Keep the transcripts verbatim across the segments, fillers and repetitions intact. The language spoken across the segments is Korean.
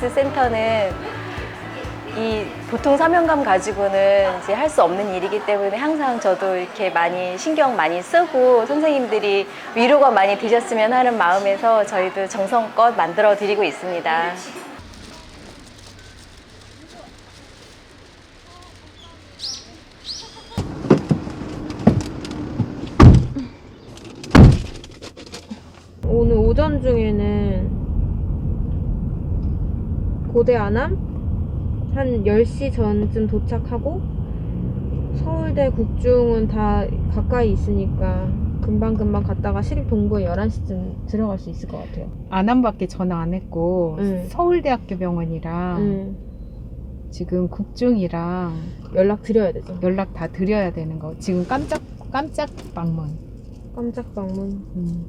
디아리스 센터는 이 보통 사명감 가지고는 이제 할 수 없는 일이기 때문에 항상 저도 이렇게 많이 신경 많이 쓰고 선생님들이 위로가 많이 되셨으면 하는 마음에서 저희도 정성껏 만들어 드리고 있습니다. 오늘 오전 중에는 고대 안암 한 열 시 전쯤 도착하고 서울대 국중은 다 가까이 있으니까 금방금방 갔다가 시립동부에 열한 시쯤 들어갈 수 있을 것 같아요. 안암밖에 전화 안 했고 응. 서울대학교 병원이랑 응. 지금 국중이랑 연락 드려야 되죠. 연락 다 드려야 되는 거. 지금 깜짝 깜짝 방문. 깜짝 방문. 음.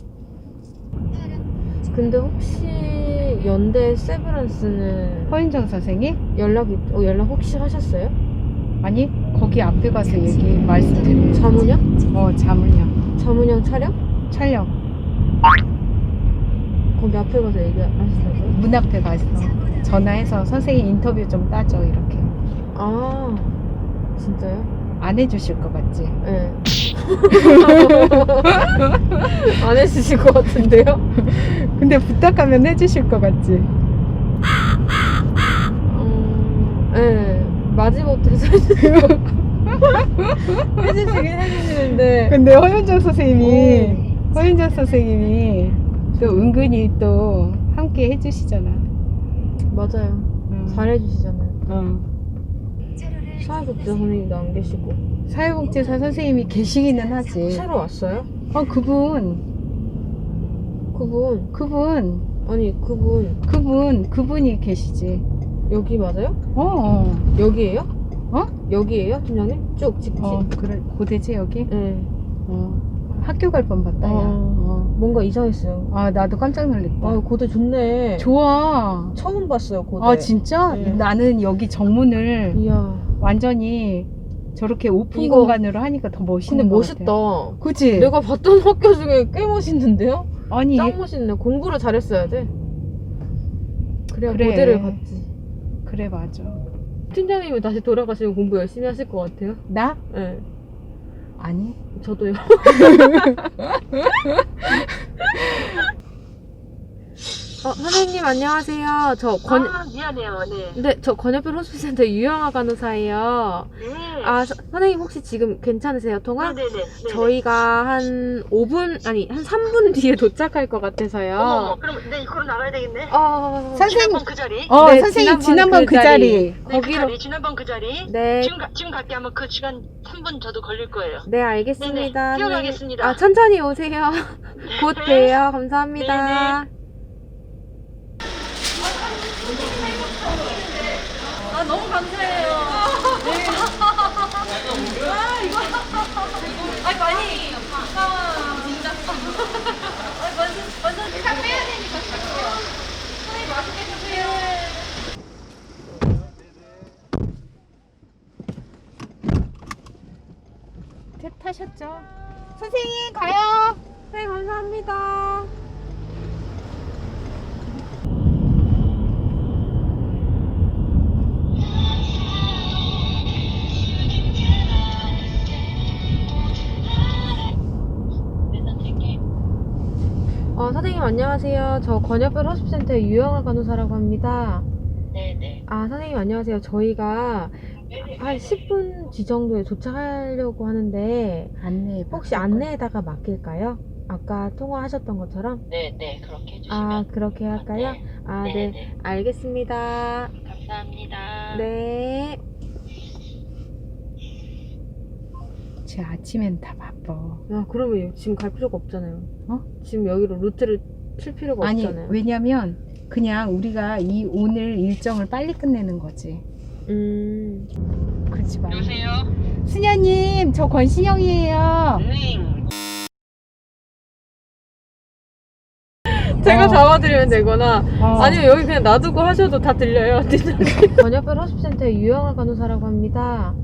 근데 혹시 연대 세브란스는 허윤정 선생님? 연락이 어, 연락 혹시 하셨어요? 아니 거기 앞에 가서 얘기 말씀드려요. 자문형? 어 자문형 자문형 촬영? 촬영 거기 앞에 가서 얘기하시다고요? 문 앞에 가서 전화해서 선생님 인터뷰 좀 따줘 이렇게. 아 진짜요? 안 해주실 것 같지? 네. 안 해주실 것 같은데요? 근데 부탁하면 해주실 것 같지? 음, 네. 마지못해서 해주시고 해주시긴 해주시는데 근데 허윤정 선생님이 오. 허윤정 선생님이 또 은근히 또 함께 해주시잖아. 맞아요. 응. 잘해주시잖아요. 어. 사회복지사 선생님도 안 계시고. 사회복지사 선생님이 계시기는 하지. 새로 왔어요? 어 그분 그분 그분 아니 그분 그분 그분이 계시지. 여기 맞아요? 어. 어. 여기에요? 어? 여기에요 팀장님? 쭉 직진. 어 그래 고대지 여기? 네. 어 학교 갈 뻔봤다 야. 어. 어. 뭔가 이상했어요. 아 나도 깜짝 놀랐다. 아 고대 좋네. 좋아. 처음 봤어요 고대. 아 진짜? 네. 나는 여기 정문을 이야. 완전히 저렇게 오픈 이거- 공간으로 하니까 더 멋있는 근데 것 멋있다. 같아. 그치? 내가 봤던 학교 중에 꽤 멋있는데요? 아니 짱 멋있네. 공부를 잘했어야 돼. 그래야 그래. 고대를 갔지. 그래 맞아. 팀장님이 다시 돌아가시면 공부 열심히 하실 것 같아요. 나? 네. 아니. 저도요. 어, 선생님 안녕하세요. 저 권, 아, 미안해요. 네. 네, 저 권역별 호스피스센터 유영아 간호사예요. 네. 아, 서- 선생님 혹시 지금 괜찮으세요, 통화? 네네네. 네네. 저희가 한 오 분, 아니, 한 삼 분 뒤에 도착할 것 같아서요. 어머, 그럼 네, 이거로 나가야 되겠네. 어, 선생님- 지난번 그 자리. 어 네, 선생님 지난번 지난번 그 그 자리. 네, 그 거기로, 자리. 지난번 그 자리. 네, 지금 가, 지금 갈게 하면 그 시간 삼 분 저도 걸릴 거예요. 네, 알겠습니다. 네네, 뛰어가겠습니다. 아, 천천히 오세요. 곧 네. 봬요. 감사합니다. 네네. 아, 너무 감사해요. 네. 아, 이거. 아, 많이. 아, 진짜. 아, 완전, 완전. 다 빼야 되니까. 선생님, 맛있게 드세요. 타셨죠? 선생님 가요. 네, 감사합니다. 어, 선생님 안녕하세요. 저 권역별 호스피센터의 유영아 간호사라고 합니다. 네네. 아, 선생님 안녕하세요. 저희가 한 십 분 뒤 정도에 도착하려고 하는데 안내. 혹시 안내에다가 맡길까요? 아까 통화하셨던 것처럼? 네네. 그렇게 해주시면. 아, 그렇게 할까요? 네. 아, 네. 네네. 알겠습니다. 감사합니다. 네. 제 아침엔 다 바빠. 아, 그러면 지금 갈 필요가 없잖아요. 어? 지금 여기로 루트를 칠 필요가 아니 없잖아요. 왜냐면 그냥 우리가 이 오늘 일정을 빨리 끝내는 거지. 음. 그렇지 마. 여보세요? 수녀님 저 권신영이에요. 네. 제가 어. 잡아드리면 되거나 어. 아니면 여기 그냥 놔두고 하셔도 다 들려요. 권역별 호스피센터의 유영아 간호사라고 합니다.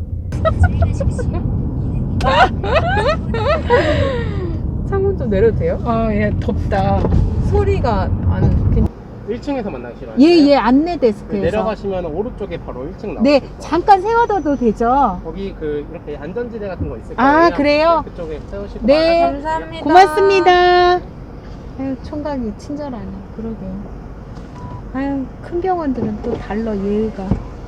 창문 좀 내려도 돼요? 어, 예, 덥다. 소리가 안 괜- 일 층에서 만나시러 예, 하세요? 예, 안내 네, 데스크에서. 내려가시면 오른쪽에 바로 일 층 나오실 네, 거예요. 잠깐 세워둬도 되죠? 거기 그 이렇게 안전지대 같은 거 있을 아, 거예요. 그래요? 네, 그쪽에 세우시고 네. 나가시면 돼요. 감사합니다. 고맙습니다. 아유, 총각이 친절하네. 그러게요. 아유, 큰 병원들은 또 달라, 예의가.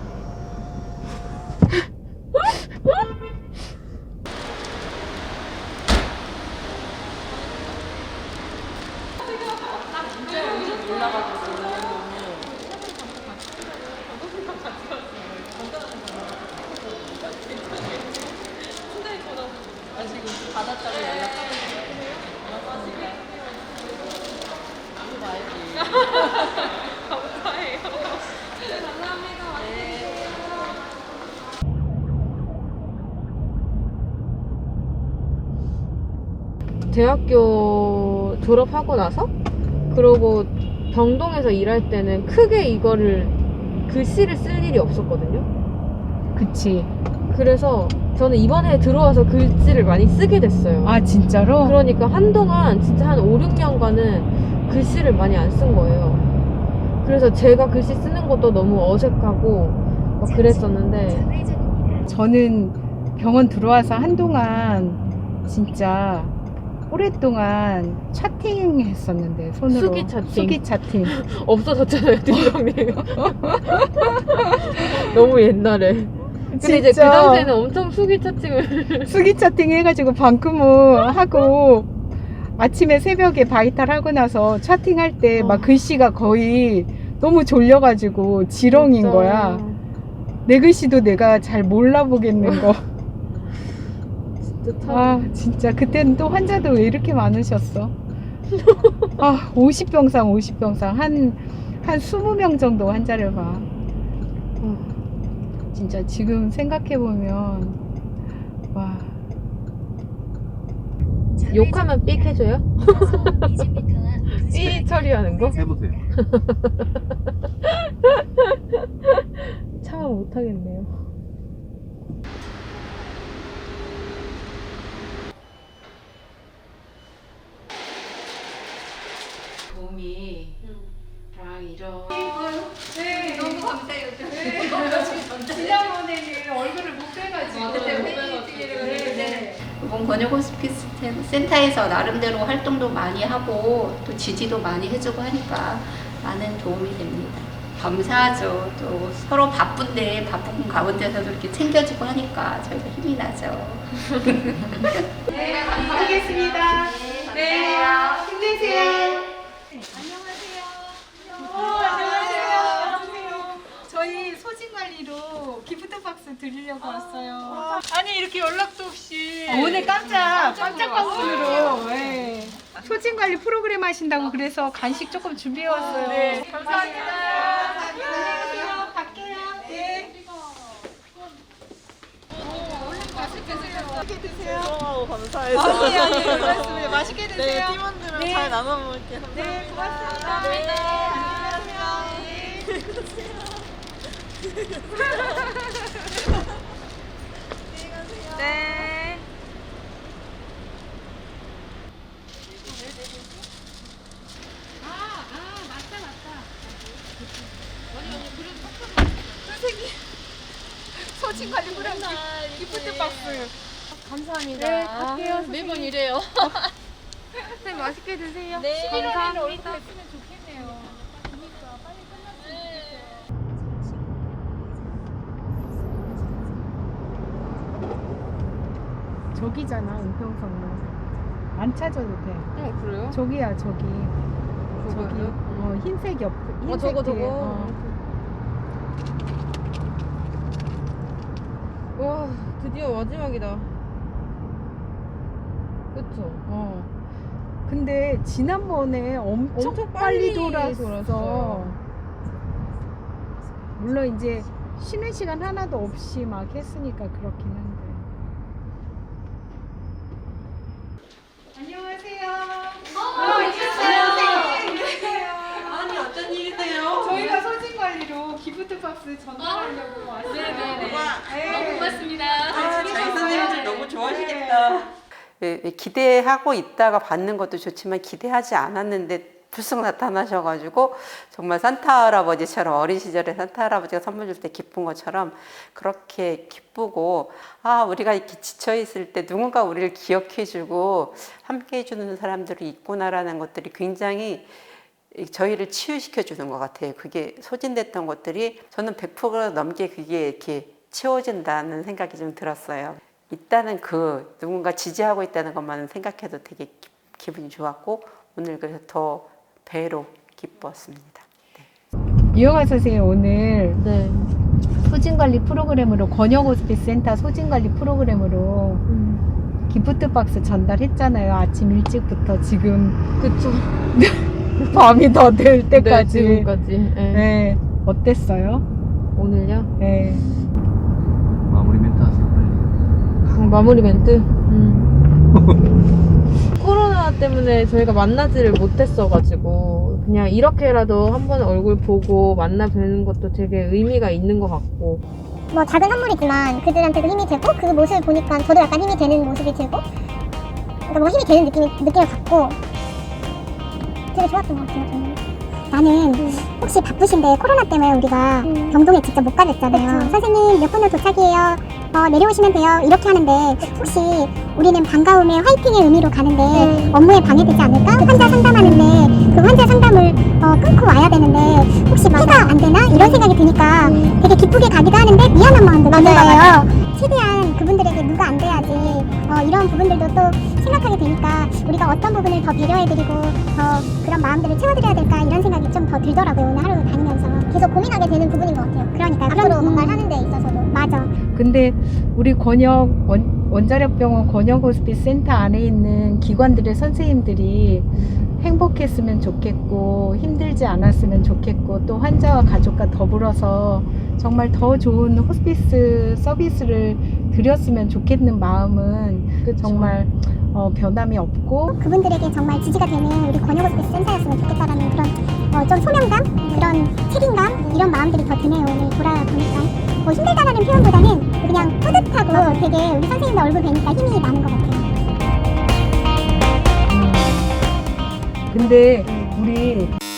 대학교 졸업하고 나서 그러고 병동에서 일할 때는 크게 이거를 글씨를 쓸 일이 없었거든요. 그치. 그래서 저는 이번에 들어와서 글씨를 많이 쓰게 됐어요. 아, 진짜로? 그러니까 한동안 진짜 한 오, 육 년간은 글씨를 많이 안 쓴 거예요. 그래서 제가 글씨 쓰는 것도 너무 어색하고 막 그랬었는데 저는 병원 들어와서 한동안 진짜 오랫동안 차팅 했었는데, 손으로. 수기 차팅. 수기 차팅. 없어졌잖아요, 팀장님. 너무 옛날에. 근데 이제 그 진짜. 당시에는 엄청 수기 차팅을 수기 차팅 해가지고 방크무 하고 아침에 새벽에 바이탈 하고 나서 차팅할 때 막 어. 글씨가 거의 너무 졸려가지고 지렁인 진짜. 거야. 내 글씨도 내가 잘 몰라보겠는 거. 진짜 참. 아, 진짜 그때는 또 환자도 왜 이렇게 많으셨어? 아, 오십 병상 오십 병상 한 한 이십 명 정도 환자를 봐. 아, 진짜 지금 생각해 보면 와. 욕하면 삑 해줘요? 삐 처리하는 거? 해보세요. 참아 못하겠네요. 도움이 랑 이런 네, 너무 감사해요. 네. 지난번에는 얼굴을 못 빼가지고. 그때 회의를 네. 이번 권역 호스피스 센터에서 나름대로 활동도 많이 하고 또 지지도 많이 해주고 하니까 많은 도움이 됩니다. 감사하죠. 또 서로 바쁜데 바쁜 가운데서도 이렇게 챙겨주고 하니까 저희가 힘이 나죠. 네, 감사하겠습니다. 네, 힘내세요. 저희 소진 관리로 기프트 박스 드리려고 왔어요. 아니 이렇게 연락도 없이 오늘 깜짝 깜짝 방문으로 네. 소진 관리 프로그램 하신다고 그래서 간식 조금 준비해 왔어요. 네, 감사합니다. 안녕하세요. 갈게요. 네. 맛있게 드세요. 고마워 감사해서. 아니 아니 말씀해 맛있게 드세요. 네 팀원들랑 네. 잘 나눠 먹을게요. 네, 고맙습니다. 네. 네. 소진 관리 프로그램 기프트 박스. 감사합니다. 네, 갈게요. 매번 이래요. 선생님 맛있게 드세요. 네. 감사합니다. 얼굴 했으면 좋겠네요. 저기잖아, 은평성로. 안 찾아도 돼. 어 그래요? 저기야, 저기. 저기. 저거요? 어, 흰색 옆. 흰색 어 저거 뒤에. 저거. 어. 와 드디어 마지막이다. 그쵸? 어. 근데 지난번에 엄청, 엄청 빨리, 빨리 돌았어. 돌았어요. 물론 이제 쉬는 시간 하나도 없이 막 했으니까 그렇긴 한데. 안녕하세요. 어, 안녕하세요. 아니 어쩐 일이세요? 저희가 소진 관리로 기프트 박스 전달하려고 왔어요. 네네네. 너무 고맙습니다. 아, 저희 선생님들 너무 좋아하시겠다. 예, 기대하고 있다가 받는 것도 좋지만 기대하지 않았는데 불쑥 나타나셔가지고 정말 산타 할아버지처럼 어린 시절에 산타 할아버지가 선물 줄 때 기쁜 것처럼 그렇게 기쁘고 아 우리가 이렇게 지쳐 있을 때 누군가 우리를 기억해주고 함께해 주는 사람들이 있구나라는 것들이 굉장히 저희를 치유시켜 주는 것 같아요. 그게 소진됐던 것들이 저는 백 퍼센트 넘게 그게 이렇게 치워진다는 생각이 좀 들었어요. 있다는 그 누군가 지지하고 있다는 것만 생각해도 되게 기, 기분이 좋았고 오늘 그래서 더 배로 기뻤습니다. 네. 유영아 선생님 오늘 네. 소진관리 프로그램으로 권역 호스피스 센터 소진관리 프로그램으로 음. 기프트 박스 전달했잖아요. 아침 일찍부터 지금 그쵸. 밤이 더 될 네, 때까지. 지금까지. 네. 네. 어땠어요? 오늘요? 네. 마무리 멘트 하세요 빨리. 어, 마무리 멘트? 음. 코로나 때문에 저희가 만나지를 못했어가지고 그냥 이렇게라도 한번 얼굴 보고 만나 뵈는 것도 되게 의미가 있는 것 같고 뭐 작은 선물이지만 그들한테도 힘이 되고 그 모습을 보니까 저도 약간 힘이 되는 모습이 들고 그러니까 뭐 힘이 되는 느낌이, 느낌을 받고 되게 좋았던 것 같아요. 저는. 나는 혹시 바쁘신데 코로나 때문에 우리가 병동에 직접 못 가겠잖아요. 그쵸. 선생님 몇 분으로 도착이에요. 어, 내려오시면 돼요. 이렇게 하는데 혹시 우리는 반가움의 화이팅의 의미로 가는데 네. 업무에 방해되지 않을까? 그 환자 상담하는데 그 환자 상담을 어, 끊고 와야 되는데 혹시 피가 안 되나? 이런 생각이 드니까 음. 되게 기쁘게 가기도 하는데 미안한 마음도 드는 거예요. 최대한 그분들에게 누가 안 돼야지 어, 이런 부분들도 또 생각하게 되니까 우리가 어떤 부분을 더 배려해드리고 더 그런 마음들을 채워드려야 될까 이런 생각이 좀 더 들더라고요. 오늘 하루 다니면서 계속 고민하게 되는 부분인 것 같아요. 그러니까 앞으로 뭔가를 하는 데 있어서도 맞아. 근데 우리 권역 원, 원자력병원 권역 호스피스 센터 안에 있는 기관들의 선생님들이 행복했으면 좋겠고 힘들지 않았으면 좋겠고 또 환자와 가족과 더불어서 정말 더 좋은 호스피스 서비스를 드렸으면 좋겠는 마음은 그쵸. 정말 어, 변함이 없고 그분들에게 정말 지지가 되는 우리 권역 호스피스 센터였으면 좋겠다라는 그런 어, 좀 소명감, 그런 책임감 이런 마음들이 더 드네요. 오늘 돌아보니까 뭐 힘들다라는 표현보다는 그냥 뿌듯하고 되게 우리 선생님들 얼굴 뵈니까 힘이 나는 것 같아요. 근데 우리